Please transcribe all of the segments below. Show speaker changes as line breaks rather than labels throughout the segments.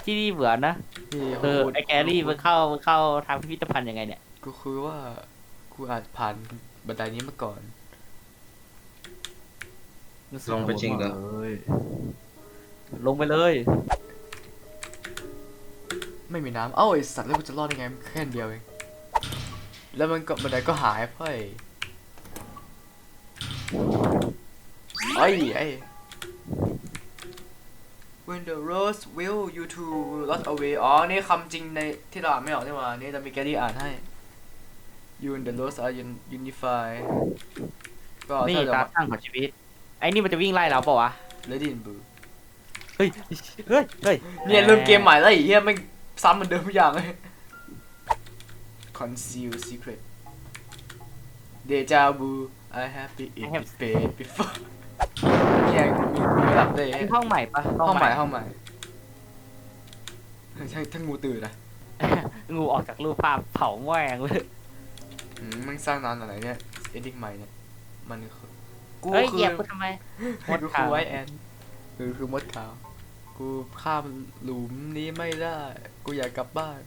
ที่นี่เหมือนนะไอแกรี่มันเข้าทางพิพิธภัณฑ์ยังไงเนี่ย
ก็คือว่ากูอาจผ่านบันไดนี้มาก่อน
ลงไปจริงเหรอ
เลยลงไปเลย
ไม่มีน้ำเอ้าไอสัตว์แล้วกูจะรอดยังไงแค่อันเดียวเองแล้วมันก็บันไดก็หายไปไอ้ When the rose will you to lost away อ๋อนี่คำจริงในที่เราอ่านไม่ออกนี่หว่านี่จะมีแกรี่อ่านให้ You and the rose are unify ก็
นี่
ถ้าจะ
การตั้งของชีวิตไอ้นี่มันจะวิ่งไล่เราเปล่าวะ
Lady in Blue
เฮ้ย
เนี่ยเริ่มเกมใหม่แล้วไอ้เหี้ยไม่งซ้ำเหมือนเดิมทุกอย่างเลย Conceal secret Deja vu I have been in this bed before เนี่ยมีระดับเลย
นี่ห้องใหม่ปะ
ห้องใหม่ใช่ทั้งงูตื่นนะ
งูออกจากรูปภาพเผาแม่งเลย
มันสร้างนานอะไรเนี่ยเอดิ้งใหม่เนี่ยมันคือกู
เฮ้ย
คื
เหยี
อย
บกูทำไม
กูคือไวแอนคือมดขาวกูข้ามหลุมนี้ไม่ได้กูอยากกลับบ้าน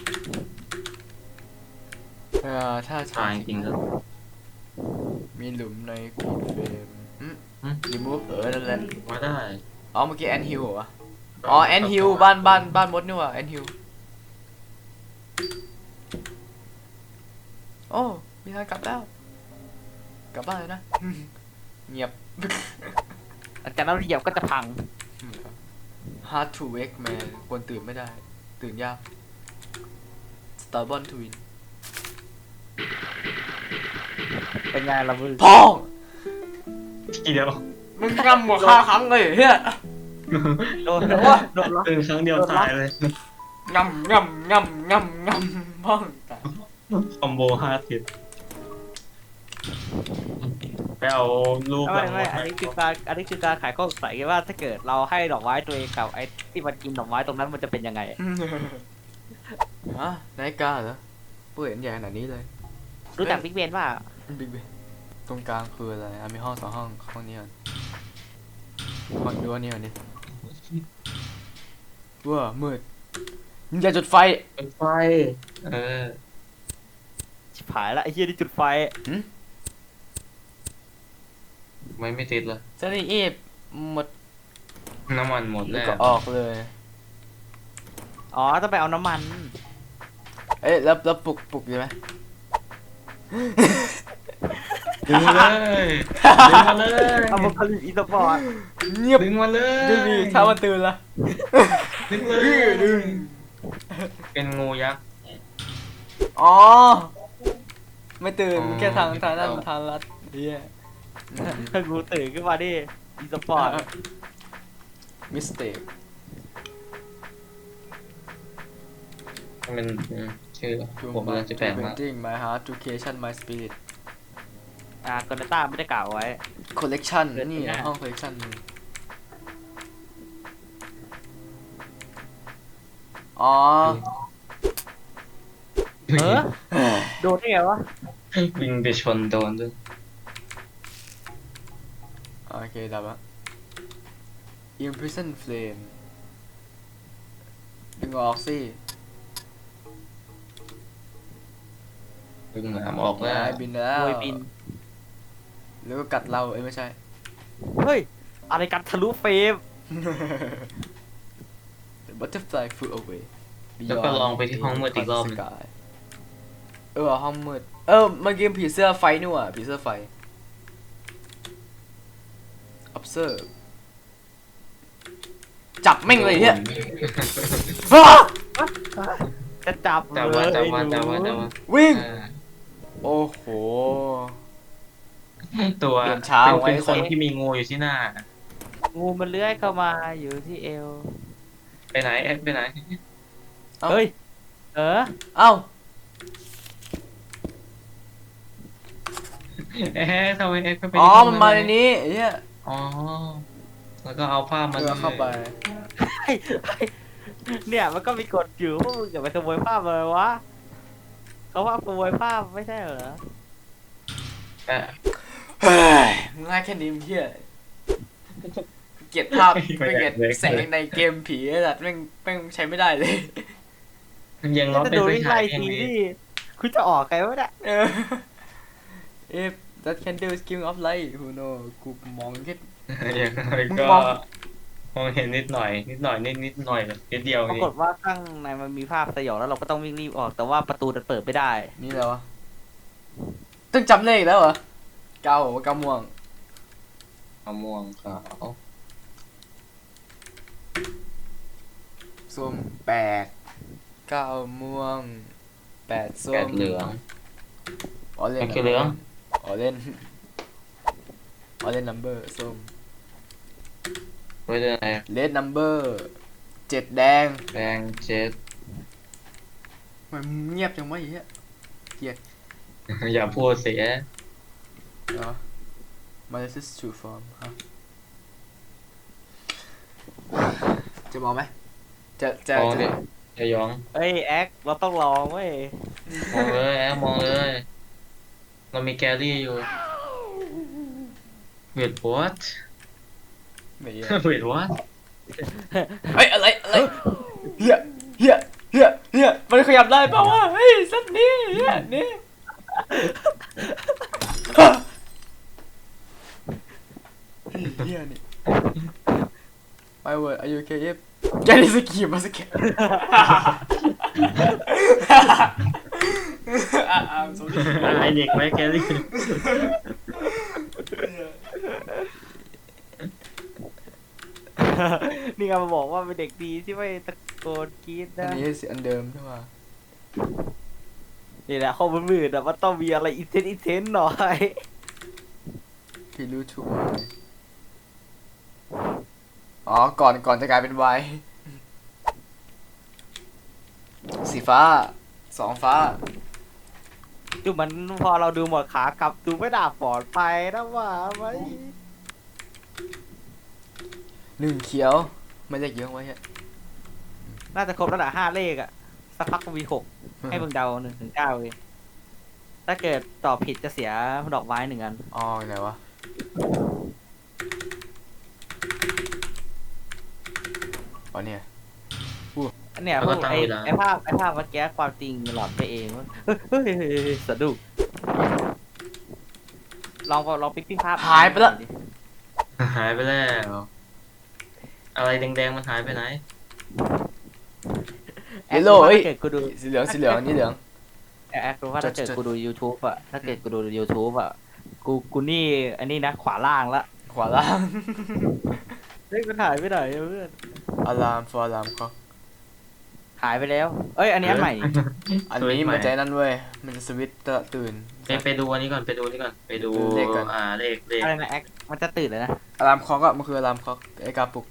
ถ้า
ตายจริงๆแล้ว
มีหลุมในกูเฟรมรีมูฟนั่นแหละ
มาได้
อ๋อเมื่อกี้แอนฮิลเหรออ๋อแอนฮิลบ้านมดนี่หว่าแอนฮิลโอ้มีทางกลับแล้วกลับบ้านเลยนะ เงียบ
หลังจากนั้นเหยียบก็จะพัง
Hard to wake man ควรตื่นไม่ได้ ตื่นยาก Stubborn to win
เป็นไงล่ะมึง
พ่อง
ทีเดียว
มึงงำหัวฆ่าครั้งเลยเฮีย
โดนแล้ววะโดนแล้ว
ตื่นครั้งเดียวตายเลย
งำพ่องตาย
คอมโบ50ไปเอารูป
ไม่อันนี้คือการขายข้อสงสัยว่าถ้าเกิดเราให้ดอกไม้ตัวเองกับไอ้ที่มันกินดอกไม้ตรงนั้นมันจะเป็นยังไง
ฮะนายกาเหรอเปิดใหญ่ขนาดนี้เลย
รู้จักบิ๊กเบนป่ะ
บิ๊กเบตรงกลางคืออะไรมีห้อง2 ห้องห้องนี้ก่อนห้องดูอันนี้ก่อนดิว้ามืดมึงอย่าจุดไฟ
เป็นไฟเออ
ชิบหายละไอ้เหี้ยที่จุดไฟ
ไม่ติดเลย
เซนี่อีฟหมด
น้ำมันหมด
แล้
แล้ว ว
ก็ออกเลย
อ๋อต้องไปเอาน้ำมัน
เอ๊ะแล้วปลุกอยู่ไหม
ดึงมาเลยดึงมาเลย
เอามาผลิตอีสปอร์ต
เงียบ
ดึงมาเลย
ไม่มีถ้ามันตื่นละ
ดึงเลย
ดึง
เป็นงูยักษ์
อ๋อไม่ตื่น
อ๋อ
แค่ทางนั้นทางลัดเฮีย
ถ้ากูตื่นขึ้นมาดิอีสปอร์ต
มิสเตค
มันชื่อผมกำลังจะแปลงมา
Painting my heart to creation my spirit
กอนต้าไม่ได้กล่าวไว้
collection
เดี๋ยว
นี่
นะ
ห้อง collection อ๋อ
โดนได้ไงวะ
วิ่งไปชนโดนด้วย
โอเคดับละ imprison flame ดึงออกสิ
ดึงหนามออกแล้ว
นายบินแล้ว
โวยบิน
แล้วก็กัดเราไม่ใช่
เฮ้ย อะไรกันทะลุเฟรม
The butterfly flew away
แล้วก็ลองไปที่ห้องมืดอีกรอบหนึ่ง
ห้องมืดเมื่อกี้ผีเสื้อไฟนี่หว่าผีเสื้อไฟ observe จับแม่งเลยเนี่ย
จะจับ
จับ
เล
ว่าย จับว่าจับว่า
หนู
จับว่า
วิ่ง
เออ
โอ้โห
ตัว
เปลี่ยนช้าไว้
เป็นคนที่มีงูอยู่ที่หน้า
งูมันเลื้อยเข้ามาอยู่ที่เอว
ไปไหนเอ็ดไปไหน
เอ้า
เฮ้ย
เอ้า
เอ๊ะทำไมเอ็ดไป
อ๋อ
ที่
มันมาในนี้ไอ้เนี่ย
อ๋อแล้วก็เอาผ้ามา
เข้าไป
เนี่ยมันก็มีกฎอยู่พวกมึงอย่าไปขโมยภาพเลยวะเขาว่าขโมยภาพไม่ใช่เหรอ
แต่
เฮ้ยง่ายแค่นี้มึงเฮียเกลียดภาพไม่เกลียดแสงในเกมผีไอ้สัตว์แม่งใช้ไม่ได้เลย
ยังร้อน
จะ
เป็น
ดู
ไฟ
ที่
ฉา
ไล่
ยยัง
ที
มี
นี่คุณจะออกไงวะเนี่ย
เออ if that candle is giving off light who know กูมองแค่
ยังไงก็
มอง
มองเห็นนิดหน่อยนิดหน่อยแบบนิดเดียว
ปรา
นี่
กฏว่าข้างในมันมีภาพสยองแล้วเราก็ต้องวิ่งรีบออก แต่ว่าประตูมันเปิดไม่ได้
นี่แล้ววะต้องจำเลขแล้วเหรอเก้าเก้าม่วง
มะม่วงขาว
ส้มแปดเก้าม่วงแปดส้ม
แปดเหลือง
ออเรน
แปดเหลือง
ออเรนออเรนนัมเบอร์ส้ม
ไว้เรื่องอะไร
เลดนัมเบอร์เจ็ดแดง
แดงเจ็ด
มันเงียบจังวะไอ้เหี้ย
อย่าพูดเสีย
เหรอ My this is true form ฮะจะมองไหมจะ
มองดิจะยอง
เอ้ยแอคเราต้องลองเว้ย
มองเลยมองเลยเรามีแกลลี่อยู่ wait what
ไม่เหี้ย
wait what
เฮ้ยอะไรเฮียมันขยับได้เปล่าวะเฮ้ยสัตว์นี่เฮียนี่เฮียนี่ My word are you okay if แกนี่สกีมาสกีI'm sorry
ไอเด็กไว้แกลลี่
นี่ไงมาบอกว่าเป็นเด็กดีที่ไม่ตะโกนกรี๊ด
อัน
นะ
นี้สิอันเดิมใช่ป่ะ
นี่แหละข้อมืดๆอะมันต้องมีอะไรอินเทนหน่อย
พี่รู้ถูกไหมอ๋อก่อนจะกลายเป็นไวน์สีฟ้าสองฟ้า
ดูมันพอเราดูหมดขากลับดูไม่น่าปลอดภัยนะว่าไหม
หนึ่งเขียวไม่เลขเยอะไว้ฮะ
น่าจะครบแล้วแหละ5 เลขอะสักพักก็มี6ให้เบิ่งเดา1 ถึง 9เลยถ้าเกิดตอบผิดจะเสียดอกไม้1 อัน
อ๋อไหนวะอ๋อเนี่ย
อันเนี้ยพวกไอ้ภาพเมื่อกี้ความจริงหลอนไปเองเฮ้ยสะดุ้งลองปิ๊กภาพ
หายไปแล้ว
หายไปแล้ว อะไรแดงๆมันหายไปไหน
แอครู้ว่าถ้าเกิดกูดู
สีเหลืองนี่เหลือง
แอครู้ว่าถ้าเกิดกูดู YouTube อะถ้าเกิดกูดู YouTube อะกูนี่อันนี้นะขวาล่างละ
ขวาล่าง
เฮ้ยมันหายไปไหนอะเพื่อน
alarm for alarm เขา
หายไปแล้วเอ้ยอันนี้อันใหม่
อันนี้มันใจนั่นเว้ยมันจะสวิตช์ตื่น
ไปดูอันนี้ก่อนไปดูเลขก่อน
เลขก่อน
เลข
อะไรนะแอคมันจะตื่นเลยนะ
alarm clock อะมันคือ alarm clock ไอ้กาปลุก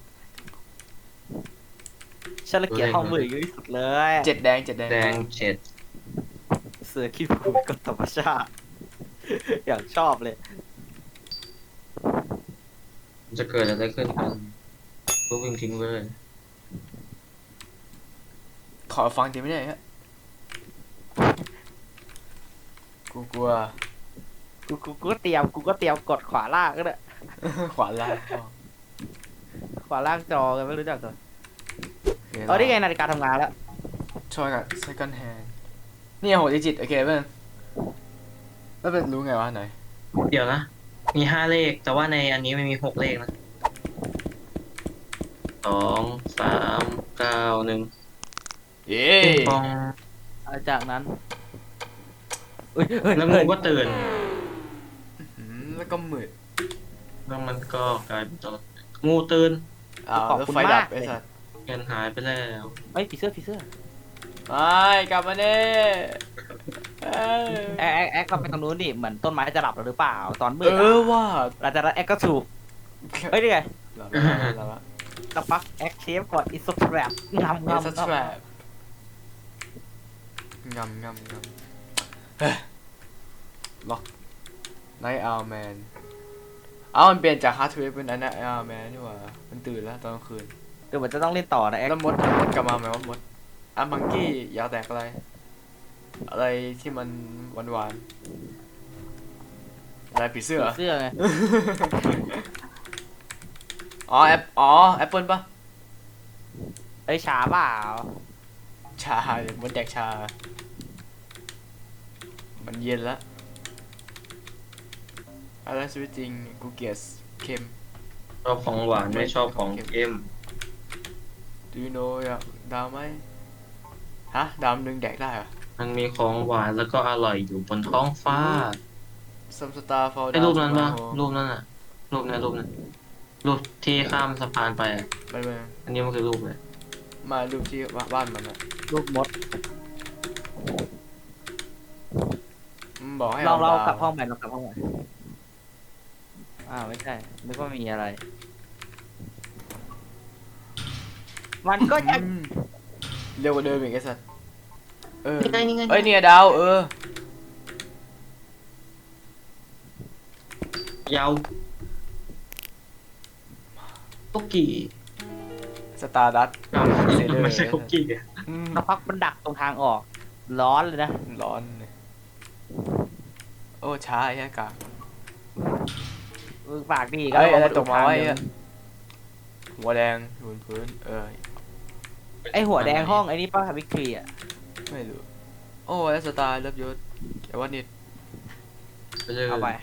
ฉันละเกียดห้องมืดที่สุดเลย
เจ็ดแดง
แดงเจ็ด
เสือขี้ผุดกับธรรมชาติ อย่างชอบเลย
มันจะเกิดอะไรขึ้นกันก็วิ่งทิ้งเลย
ขอฟังทีไม่ได้ฮะกูกลัว
กูก็เตรียมกดขวาล่างก็ได้
ขวาล่าง
ขวาล่างจอกันไม่รู้จักเหรอ
โอเค
เอาได้ไงนาฬิกาทำงานแล้ว
ช่วยกับ second hand นี่6 digit โอเคเพื่อนแล้วเป็นรู้ไงวะไหน
เดี๋ยวนะ มี5 เลข แต่ว่าในอันนี้ไม่มี6 เลขนะ2 3 9 1
เย้
ปอง
จากนั้น
แล้วงูก็ตื่น
แล้วก็มืด
แล้วมันก็กลายเป็นตัวงูตื่น
อ้าวแล้วไฟดับไอ้สัส
เงินหายไปแล้ว
เฮ้ยผีเสื้อ
ไอ้กลับมาเน่เอ้ย
แอคก็ไปตรงนู้นดิเหมือนต้นไม้จะหลับแล้วหรือเปล่าตอนมืด
ว่า
หลังจากนั้นแอคก็ถูกเฮ้ยนี่ไง
หลับแล้ว
สักพักแอคเชฟก่อนอิสแตรปงำ
It's a trap งำเฮ้ยล็อกไนท์อาร์แมนมันเปลี่ยนจากฮาร์ดเวฟเป็นไนท์อาร์แมนนี่หว่ามันตื่นแล้วตอนกลางคืน
เดี๋ยวมันจะต้องเล่นต่อนะแอค
แล้วมดกลับมาไหมว่ามดมังกี้ยาวแตกอะไรที่มันหวานอะไรผีเสื้อ
ผีเสื้อไง
อ๋อแอปเปิลปะ
เอ้ยช้าเปล่า
ชาเดี๋ยวมันแดกชา มันเย็นละอะไรชีวิตจริงกูเกลียดเค็ม
ชอบของหวานไม่ชอบของเค็ม
Do you know อยากดาวไหมฮะดาวนึงแดกได้เหรอ
มันมีของหวานแล้วก็อร่อยอยู่บนท้องฟ้า
Some star fall
ไอ้
down
รูปนั้น
to my
ปะ
home
รูปนั้นอะรูปนั้นรูปที่ข้ามสะพานไปอะ
ไม่
อันนี้มันคือรูปเลย
มารูปที่บ้านมันอะ
ลูกมด
มันบอกให้
ลองเรา
ดว
กลับห้องใหม่ลองกลับห้องใหม่ไม่ใช่นึกว่ามีอะไร มันก็จะ
อืมเร็วกว่าเดิมอีกไอ้สัสเออ
นี่ไง
เอ้ยเนี่ยดาว
ยาวคุกกี้
สตาร์ดัต
อ้าวไม่ใช่คุกกี้อะ
สักพักมันดักตรงทางออก ร้อนเลยนะ
ร้อนเลยโอ้ช้าไอ้แค่กาก
ปากดี
เอ้ยอะไร
ลง
ตกมาไว้
ทงเดิ
อะหัวแดงอยู่บนพื้น
ไอหัวแดงห้องไอ้นี่ป้าวิกตอรีอ่ะ
ไม่รู้โอ้แล้วสตาร์เลิฟยศแต่ว่านิด
เอาไป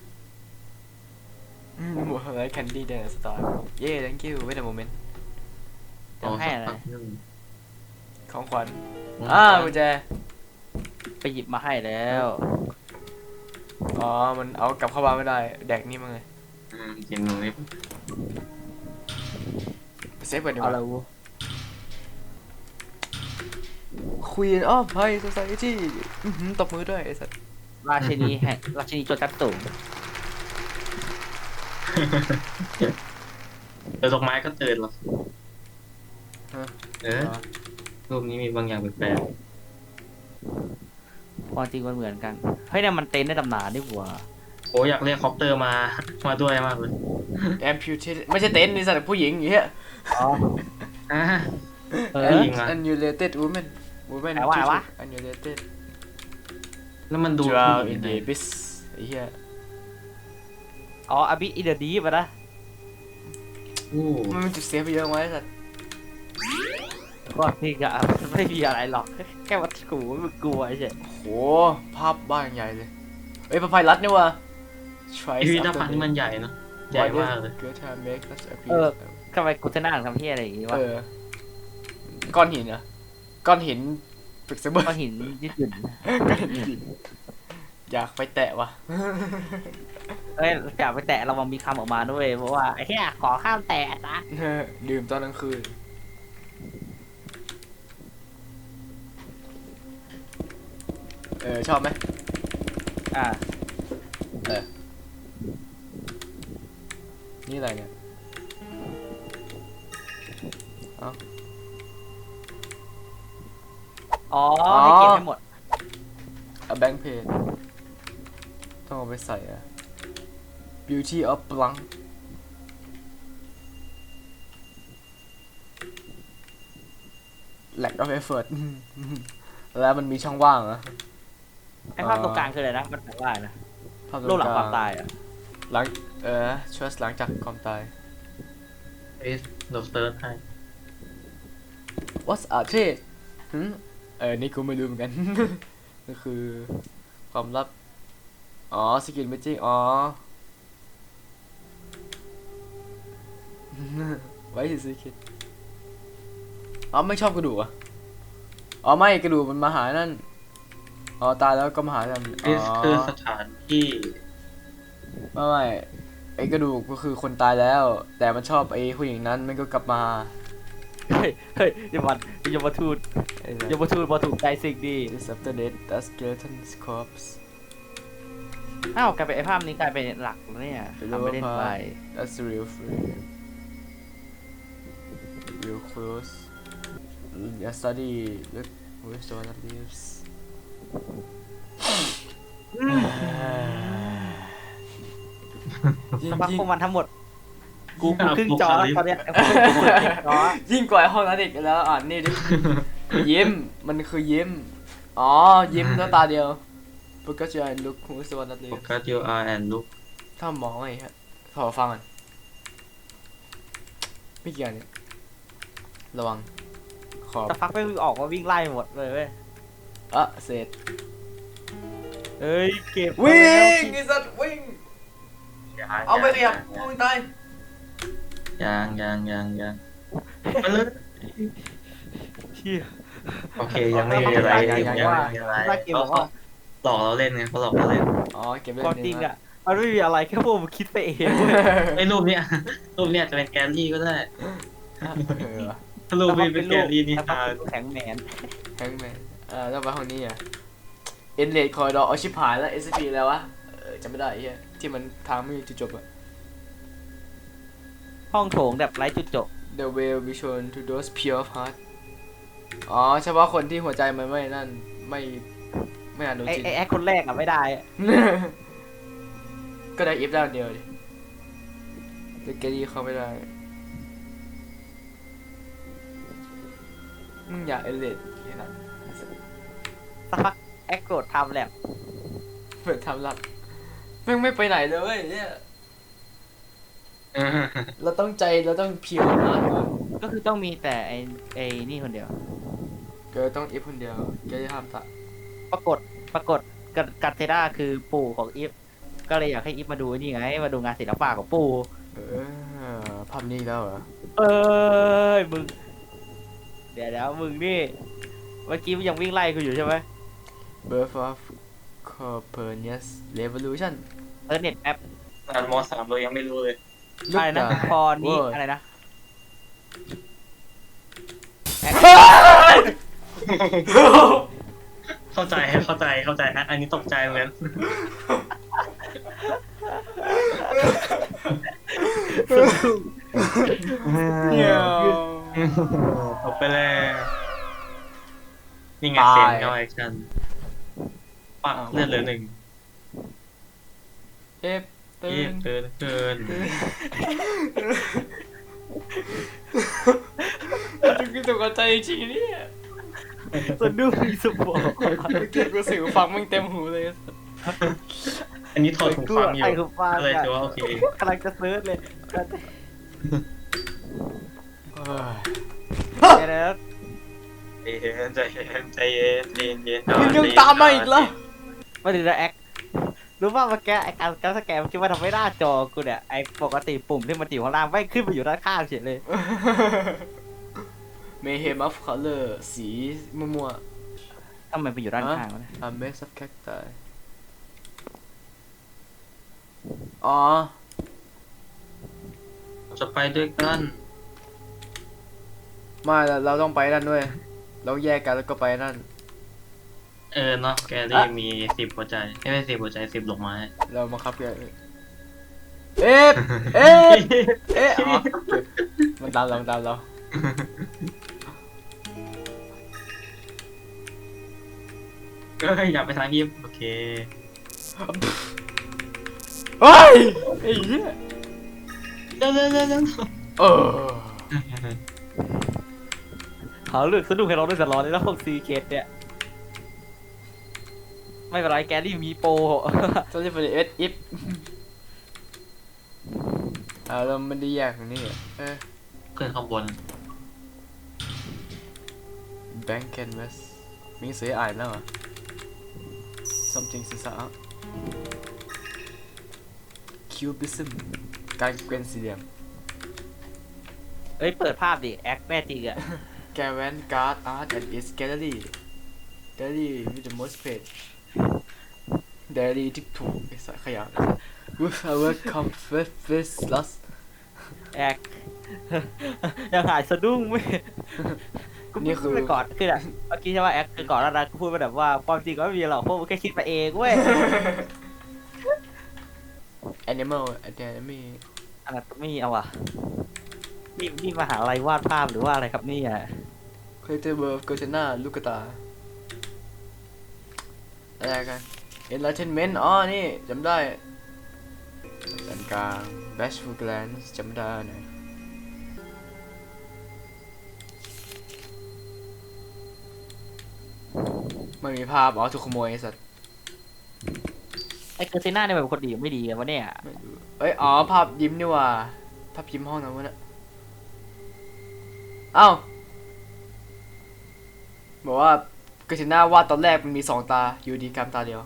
หมดอะไรแคนดี้แดงสตาร์เย้ thank you wait a moment
จะให้อะไร
ของขวัญ
อืม
กุญแจ
ไปหยิบมาให้แล้ว
อ๋อมันเอากลับเข้าบ้านไม่ได้แดกนี่มั้งไง
กินตรงนี้
ไปเซฟก่อนดีก
เอา
ว่า
ละวู
Queen of High Society ตบมือด้วยไอ้สัส
ราชินีแห่งราชินีโจรชั้นสูง
เดี๋ยวดอกไม้ก็ตื่นหรอกรูปนี้มีบางอย่างแปลก
ความจริงมันเหมือนกัน เฮ้ยเนี่ยมันเต็นท์ในตำนานนี่หว่า
ๆโอ้อยากเรียกคอปเตอร์มา มาด้วยมากเลย
Amputated ไม่ใช่เต็นท์นี่สัตว์ผู้หญิงอย่างเงี้ย
อ๋อ
อ่ะ
เอ
ผู้
อ
หญิงอะ
Annulated woman
แปลว่าอะไรวะ
Annulated
แล้วมันดู
Drown
ผู้หญิ
in
ง
the
ไง
abyss ไอ้เหี้ย
อ๋ออบิอิเดดีป่ะนะ
โอ้
มันมีจุดเซฟไปเยอะไหมไอ้สัส
ก็นี่ก็ไม่มีอะไรหรอก แค่ว่ากูมันกลัวเฉย
โหภาพบ้านใหญ่เลยเอ้ยพระพายรัดนี่ว่ะ Try
พิพิธภัณฑ์นี่มันใหญ่เนอะใหญ่มากเลย
Good time make us
เออ
appear
ทำไมกูจะนั่งทำที่อะไรอย่างงี้วะ
ก้อนหินเหรอก้อนหินปรึกเสมอ
ก็หินญี่ปุ่น
ก้อนหินอยากไปแตะว่ะ
เอ้ยอย่าไปแตะระวังมีคำออกมาด้วยเพราะว่าไอ้แค่ขอข้ามแตะนะ
ดื่มตอนกลางคืนชอบไหม
อ่า
นี่อะไรเนี่ย
อ๋อให้เก็บให้หมด
A bank page ต้องเอาไปใส่อะ Beauty of Blanc Lack of effort แล้วมันมีช่องว่างเหรอ
ไอ้ภาพตรงกลางคืออะไรนะ มันแปลว่าอะไรนะ
ภาพตร
โลกหลัง
ก
ความตายอ่ะ
หลังtrust หลังจากความตาย
เอ๊ะเราเซิร์ชให้
What's a trade นี่กูไม่รู้เหมือนกัน ก็คือความลับ อ๋อ สกิลเมจิกอ๋อ ไว้สิสกิลอ๋อ ไม่ชอบกระดูกอ่ะ อ๋อ ไม่กระดูกมันมาหานั่น อ๋อ ตายแล้วก็มาหากันอ๋
นี่คือ
อ
สถานที่
ไม่ไอ้กระดูกก็คือคนตายแล้ว แต่มันชอบไอ้ผู้หญิงนั้นมันก็กลับมา
เฮ้ยอย่ามาทูด
ไอ้
อย่ามาทูดมาถูกใจสิ่งดี
This after death the skeleton's corpse
อ้าวกลายเป็นไอ้ภาพนี้กลายเป็นหลักแล้วเนี่ยทำไม่เล่นไป
That's the real frame real close Yeah study look where's the one that lives
สักพักพวกมันทั้งหมด กูครึ่งจอแล้วตอนเนี้ยกูครึ่งจอ
ยิ่งกว่าห้องนั้นอีกแล้วอ่านนี่ดิ ยิ้มมันคือยิ้ม อ๋อ ยิ้มแล้วตาเดียว Because you are look who's the one that
โฟ
lives
กัส your eye and look
ถ้ามองไงฮะขอฟังก่อนไม่เกี่ยวเนี่ยระวังขอบ
สักพักไม่ออกมาวิ่งไล่หมดเลยเว้ย
เสร็จ
เอ้ยเก็บ
วิ่
มาแล้ว
งไอ้สัตว์วิ่ง
ยัง
เอาไปขยับมึงตาย
ยังมาเลย
เชี่ย
โอเคยังไม่มีอะไร
ยัง
อะไร
เกมบอกว่า
หลอกเราเล่นไงเขาหลอกเราเล่น
อ๋อเก็บเล่
ความ
น
จริงอ่ะมันไม่มีอะไรแค่พวกมึงคิดไปเองเว้ย
ไอ้รูปเนี้ยจะเป็นแกลลี่ก็ได้
เออ
ถ้ารูปนี้เป็นแกลลี่นี่
แล้วก็
ฮา
เป็นแข็งแมน
แฮงแมนแล้วไปห้องนี้อ่ะเอ็นเลดคอยดอเอาชิบหายแล้ว SCP แล้ววะจำไม่ได้ไอ้เหี้ยที่มันทางไม่มีจุดจบอะ
ห้องโถงแบบไร้จุดจบ
The way we shown to those pure of heart อ๋อเฉพาะคนที่หัวใจมันไม่นั่นไม่อ่านโดน
ไอ้
จิน
ไอ้แอคคนแรกอ่ะไม่ได้อะ
ก็ได้อีฟได้คนเดียวดิแต่แกดี้เข้าไม่ได้มึงอยากเอเลดนะ
สักพักแอคโกรธทำแลบ
เปิดทำลับแม่งไม่ไปไหนเลยเว้ยเนี่ยเราต้องเพียวมากก่อน
ก็คือต้องมีแต่ไอ้นี่คนเดียว
เกิดต้องอีฟคนเดียวแกจะทำตะ
ปรากฏกัตเทด้าคือปู่ของอีฟก็เลยอยากให้อีฟมาดูนี่ไงมาดูงานศิลปะของปู่
ภาพนี้แล้วเหรอ
เอ้ยมึงเดี๋ยวมึงนี่เมื่อกี้มึงยังวิ่งไล่กูอยู่ใช่ไหม
Birth of Copernicus Revolution
เน็ตแอป
อ่านมสามเรายังไม่รู้เลย
อะไรนะพอนี้
Word
อะไรนะ
เข้าใจอันนี้ตกใจเหมือนกัน จบไปแล้วนี่ไงเซนเข้าแอคชั่นปักเลือดเหลือหนึ่ง
เอฟตื่
ยี่
น
เกิน
กูตกใจจริงเนี่ย
สะดุ้งสปอร์
เมื่อกี้กูสื่อฟังมึงเต็มหูเลย
อันนี้ถอดหูฟังอยู่
ไอ้หูฟัง
ก็เลย
อะ
ถือว่าโอเค
กำลังจะเซิร์ชเลยเดี๋ยว
ใจเย็น
มึงยังตามมาอีกเหรอ
มาดูนะแอครู้ป่ะเมื่อกี้ไอ้การสแกนคิดว่าทำไม่หน้าจอกูเนี่ยไอ้ปกติปุ่มที่มันอยู่ข้างล่างไม่ขึ้นไปอยู่ด้านข้างเฉยเลย
Mayhem of Color สีมั่ว
ทำไมไปอยู่ด้านข้างวะเนี่ย
ๆ A mess of cacti อ๋อ
จะไปด้วยกัน
ไม่เราต้องไปนั่นด้วยเราแยกกันแล้วก็ไปนั่น
เนาะแกรี่มี10หัวใจไม่10หัวใจ10ดอกไม้
เราบังคับแกเอฟเอฟอ๋อมันตามเรา
อยากไปทางยิปโอเค
เฮ้ยไอ้เหี้ย
เร็ว
เออ
เขาเลือกสนุกให้เราด้วยตลอดเลยแล้วพวกซีเคสเนี่ยไม่เป็นไรแกรี่มีโปร
ต้องจะไปเอสอิฟเราไม่ได้แยกตรงนี้อ่ะ
ขึ้นข้างบน
Bank Canvas มีเสียอ่านแล้วเหรอ something ศีรษะ Cubism การเกวนสี่เหลี่ยม
เอ้ยเปิดภาพดิแอคแม่จริงอะ
Gavin Guard Art and its Gallery Gallery with the most page Gallery ที่ถูกไอ้สายขยะ With our comfort loss
แอค ยังหายสะดุ้งไม่กู
นี่คือ
พูดไปก่อนคืออะเมื่อกี้ใช่ว่าแอคคือก่อนแล้วนะกูพูดไปแบบว่าความจริงก็ไม่มีหรอกพวกมึงแค่คิดไปเองเว้ย
Animal Academy
อะไรไม่มีเอาว่ะนี่มหาลัยวาดภาพหรือว่าอะไรครับนี่อ่ะ
Creative World Gotena ลูกตาอะไรกัน Enlightenment อ๋อนี่จำได้สันกลาง Bashful Glance จำได้หน่อยไม่มีภาพอ๋อถูกขโมยไอ้สัตว์
ไอ้เกอร์เซน่าเนี่ยเป็นคนดีหรือไม่ดีกันวะเนี่ย
ไม่รู้เอ้ยอ๋อภาพยิ้มนี่หว่าภาพยิ้มห้องนั้นวะเนี่ยเอ้าบอกว่ากาซิน่าวาดตอนแรกมันมี2 ตาอยู่ดีกลายเป็นตาเดียว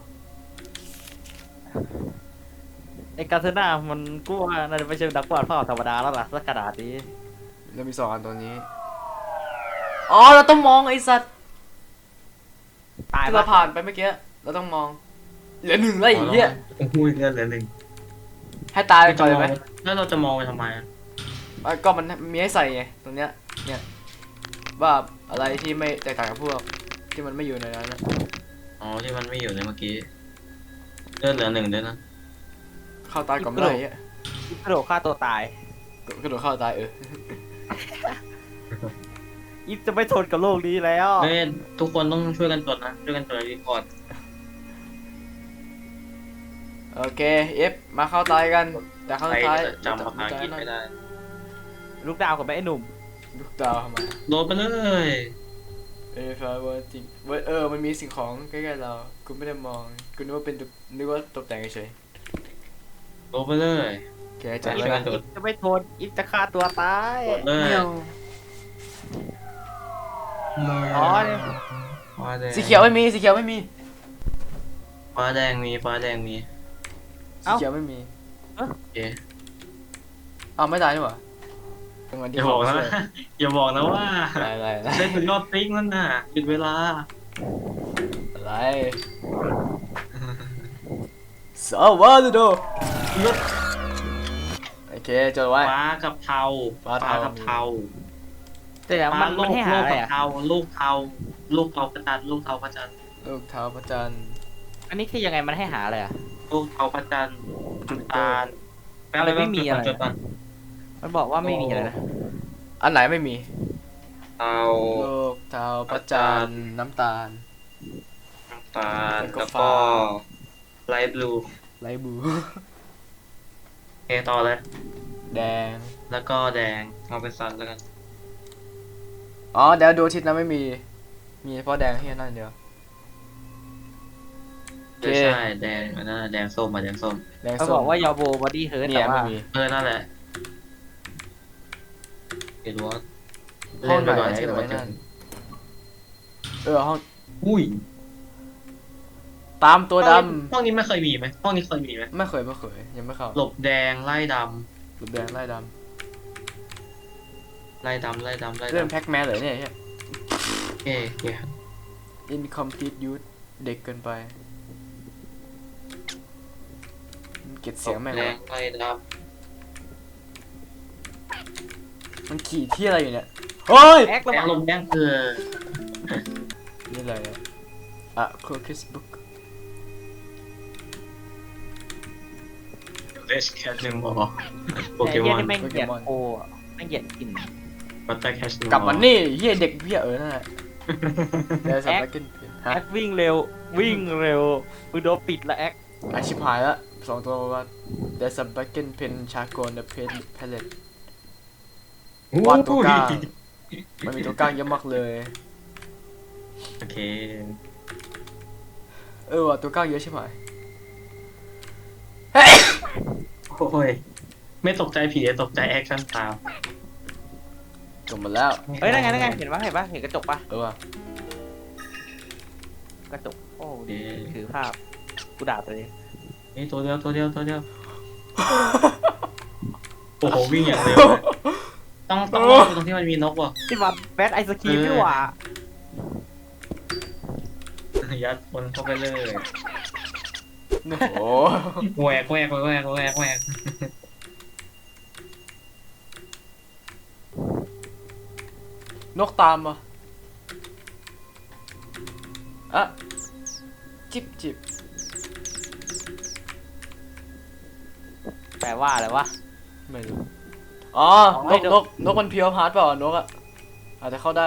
ไอ้กาเซน่ามันกูว่าน่าจะไม่ใช่นักวาดภาพธรรมดาแล้วล่ะสักขนาดนี้
แล้วมี2 อันตัวนี้อ๋อเราต้องมองไอ้สัตว์
ตาย
ที่
ปะ
เราผ่านไปเมื่อกี้เราต้องมองเหลือ1แล้วไอ้เหี้ย
โอ้โหเลือดเหลือหนึ่ง
ให้ตายไปก่อนเลยไหม
แล้วเราจะมองไปทำไมอะ
ก็มันมีให้ใส่ไงตรงเนี้ยเนี่ยว่าอะไรที่ไม่แตกต่างกับพวกที่มันไม่อยู่ในนั้นนะ
อ๋อที่มันไม่อยู่ในเมื่อกี้เลือดเหลือหนึ่งด้วยนะ
เข้าตายก่อนไม่ได้อ่ะ
กระโดดฆ่าตัวตาย
กระโดดเข้าตาย
อิฟจะไม่ทนกับโลกนี้แล้ว
เฮ้ยทุกคนต้องช่วยกันจดนะช่วยกันจดรีพอร์ต
โอเคเอฟมาเข้าตายกันแต่เข้า
ใคร
ตาย
จะจำภาษาอังกฤษไม่ได้
ลูกดาวกับแม่ไอ้หนุ่ม
ลูกดาวทำไม
โดนไปเลย
if I were to มันมีสิ่งของใกล้ๆเรากูไม่ได้มองกูนึกว่าเป็นนึกว่าตกแต่งเฉย
โดนไปเลย
ๆโอเคจัด
ช่
เล
วย
ย
กันจ
อิ
ด
ฟจะไม่ทนอิฟจะฆ่าตัวตาย
กดเลย
เหี่ยว อ๋อเนี่ย
ฟ้าแดง
สีเขียวไม่มีสีเขียวไม่มี
ฟ้าแดงมีฟ้าแดงมี
สีเขียวไม่มี
โอเค
อ้าวไม่ตายนี่หว่าตรงนั้น
อ
ที่
ย่าบอกนะ อย่าบอกนะว่า
อะไร
เล่นเป็นรอบติ๊กนั่นน่ะหยุดเวลา
อะไรสวัสดีดูโอเคจดไว้
ฟ้ากับเทา
ฟ้าเทา
กับเทา
แต่เดี๋ยวมัน
ลู
มัน
ก
ให้หา
ลูก
อะไร
กับ
อ่ะ
เทาลูกเทาลูกเทาพระจันทร์ลูกเทาพระจันทร์
ลูกเท้าพระจันทร์
อันนี้คือยังไงมันให้หาอะไรอ่ะ
ลูกเทาพระจันทร์น้ำตาล
อะไรไม่มีอะไร
จดก่อน
มันบอกว่าไม่มีอะไรนะ
อันไหนไม่มี
เทา
ลูกเท้าพระจันทร์น้ำตาล
น้ำตาล
แล้วก็
แล้ว
ฟ้า
ก็ไลท์บลู
ไรบู
เคต่อเลย
แดง
แล้วก็แดงเอาเป็นซันแล้วกัน
อ๋อเดี๋ยวดูอาทิศนะไม่มีมีเฉพาะแดงที่นั่นเดียว โอเค
ใช่แดงอันนั้นแดงส้มมาแดงส้ม
แดง
เขา
ส้
บ
ม
อกว่ายาโบบอดี้เฮิร์ต
เนี่
แต่
ย
ว่า
ไม่มี
นั่นแหละเห็นว่า
ห้องไหน
เล่นไปก่อน
ที่
เดี๋ยว
ไหน
มันจะ
นั่นห้อง
อุ้ย
ตามตัวด
ห้องนี้ไม่เคยมีไหมห้องนี้เคยมีไหม
ำไม่เคยยังไม่เข้า
หลบแดงไล่ด
หลุดแดงไล่ด
ำไล่ดำไล่ดำไล่
ำเริ่ม
ดำ
แพ็กแมนเลยเนี่ย
โอเคโอเค
incomplete youth เด็กเกินไปมันเก็บเสียงแม่ง
แด
วะ
งไล่ด
มันขี่ที่อะไรอยู่เนี่ยเฮ้ย
แอค
ำ
ระ
แด
ห
ง
ว่าง
ลมแดงคือ
นี่อะไรอ่ะ Crocus Book
เลสแคชหนึ่งบอโป
แต่
เก
เหี้
ม
ย
อน
นี่แม่งเหยียดโคอ่ะแม่งเหยียดกลิ่น
บัตเตอร์แคชหนึ่ง
กลับมานี่เฮียเด็กเฮียนั่นแหละเดี๋ยวสับ
แอค
ไปกินเปลี่ยน
แอ
ฮะ
ควิ่งเร็ววิ่งเร็วมึงโดนปิดละแอค
อาชิพหายละ2 ตัวว่า There's a black pen charcoal on the palette วาดตัวกล้า มันมีตัวกลางเยอะมากเลย
โอเค
ว่ะตัวกลางเยอะใช่ไหม
โอ้ยไม่ตกใจผีตกใจแอคชั่นตาม
จบหมดแล้ว
เฮ้ยนั่นไงนั่นไงเห็นปะเห็นกระจกปะ
ว่ะ
กระจกโอ้ดีถือภาพกูด่าตัวเอง
นี่ตัวเดียวตัวเดียวตัวเดียวโอ้โหวิ่งอย่างเร็วเลยต้องรอตรงที่มันมีนกว่ะ
ที่มันแบทไอศครีมนี่หว่า
ยัดคนเข้าไปเลย
โอ้โห
แหวกแหวกแหวกแหวกแหวก
นกตามอ่ะอ่ะจิบจิบ
แปลว่าอะไรวะ
ไม่รู้อ๋อ
อ๋
น
อก
นกนกมันเพียวพาร์ทเปล่านกอ่ะอาจจะเข้าได้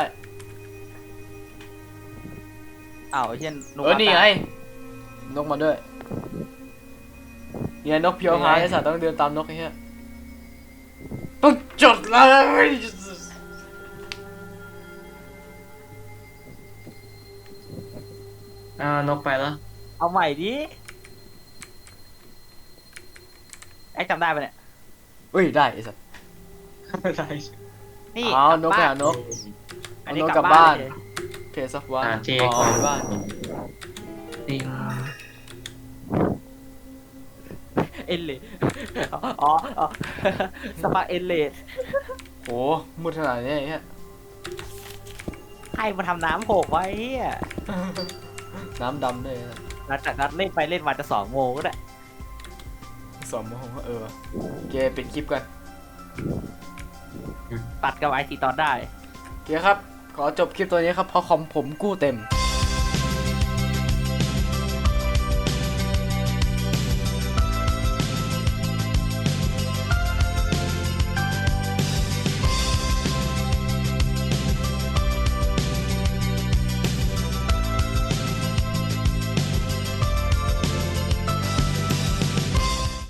อ้าวไอ้เช่น
นี่ไงนกมาด้วยเนี่ยนกเพียวพาร์ทไอ้สัตว์ต้องเดินตามนกไอ้เหี้ยต้องจดเลย
นกไปแล้ว
เอาใหม่ดิแอคจำได้ปะเนี่ย
เอ้ยได้ไอ้สัตว์
ไม่ได้
นี่
อ๋อก
ลับ
นก
บ้า
หาน นก
อันนี้
เอานก
กลับ
กลับบ้า
บ้าน นเลย
เพจซัฟวัน
เจ
อ๋
ก่
อ
อน
บ้าน
ติง
เอ็นเลดอ๋อสปาเอ็นเลด
โหมืดขนาดนี้ไอ้เหี้ย
ใครมาทำน้ำหกไว้อะ
น้ำดำด้วยนะ
หลังจากนั้นเล่นไปเล่นมาจะ2 โมงก็ได้
2 โมงเกปิดคลิปกัน
ตัดกับไอทีตอนได้
โอเคครับ ขอจบคลิปตัวนี้ครับเพราะคอมผมกู้เต็ม